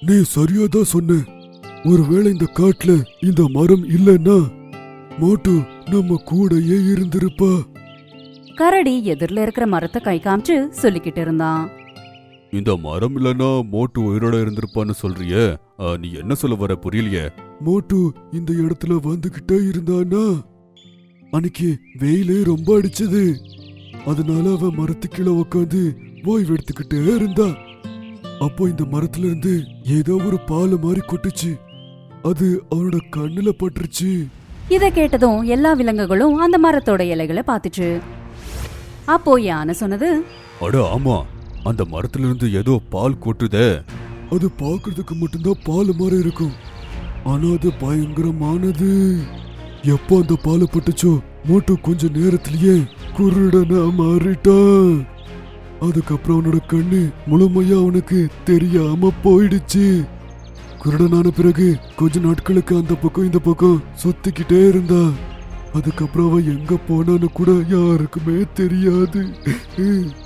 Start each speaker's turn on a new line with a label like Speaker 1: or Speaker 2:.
Speaker 1: நீ சரியாதான் சொன்ன. ஒருவேளை இந்த காட்டுல இந்த மரம் இல்லைன்னா மோட்டு நம்ம கூடயே இருந்திருப்பா.
Speaker 2: கரடி எதிரில இருக்கிற மரத்தை கை காமிச்சு சொல்லிக்கிட்டு இருந்தான்.
Speaker 1: இந்த மரம் இல்லைன்னா மோட்டு உயிரோட இருந்திருப்பான்னு சொல்றியே, நீ என்ன சொல்ல வர புரியலையே. மோட்டு இந்த இடத்துல வந்துகிட்டே இருந்தானா, அன்னைக்கு வெயிலே ரொம்ப அடிச்சது. அதனால அவ மரத்து கீழே உட்காந்து ஓய்வு எடுத்துக்கிட்டே இருந்தா. அப்போ இந்த மரத்துல இருந்து ஏதோ ஒரு பால் மாதிரி கொட்டுச்சு. அது அவனோட கண்ணுல பட்டுருச்சு.
Speaker 2: இத கேட்டதும் எல்லா விலங்குகளும் அந்த மரத்தோட இலைகளை பார்த்துச்சு. அப்போ யானை சொன்னது,
Speaker 1: அட ஆமா, அந்த மரத்துல இருந்து ஏதோ பால் கொட்டுதே. அது பாக்குறதுக்கு மட்டும்தான் பால் மாதிரி இருக்கும், ஆனா அது பயங்கரமானது. எப்போ அந்த பால் பட்டுச்சோ மோட்டு கொஞ்ச நேரத்திலேயே குருடனா மாறிட்டான். அதுக்கப்புறம் அவனோட கண்ணு முழுமையா அவனுக்கு தெரியாம போயிடுச்சு. குருடனான பிறகு கொஞ்ச நாட்களுக்கு அந்த பக்கம் இந்த பக்கம் சுத்திக்கிட்டே இருந்தா. அதுக்கப்புறம் அவன் எங்க போனான்னு கூட யாருக்குமே தெரியாது.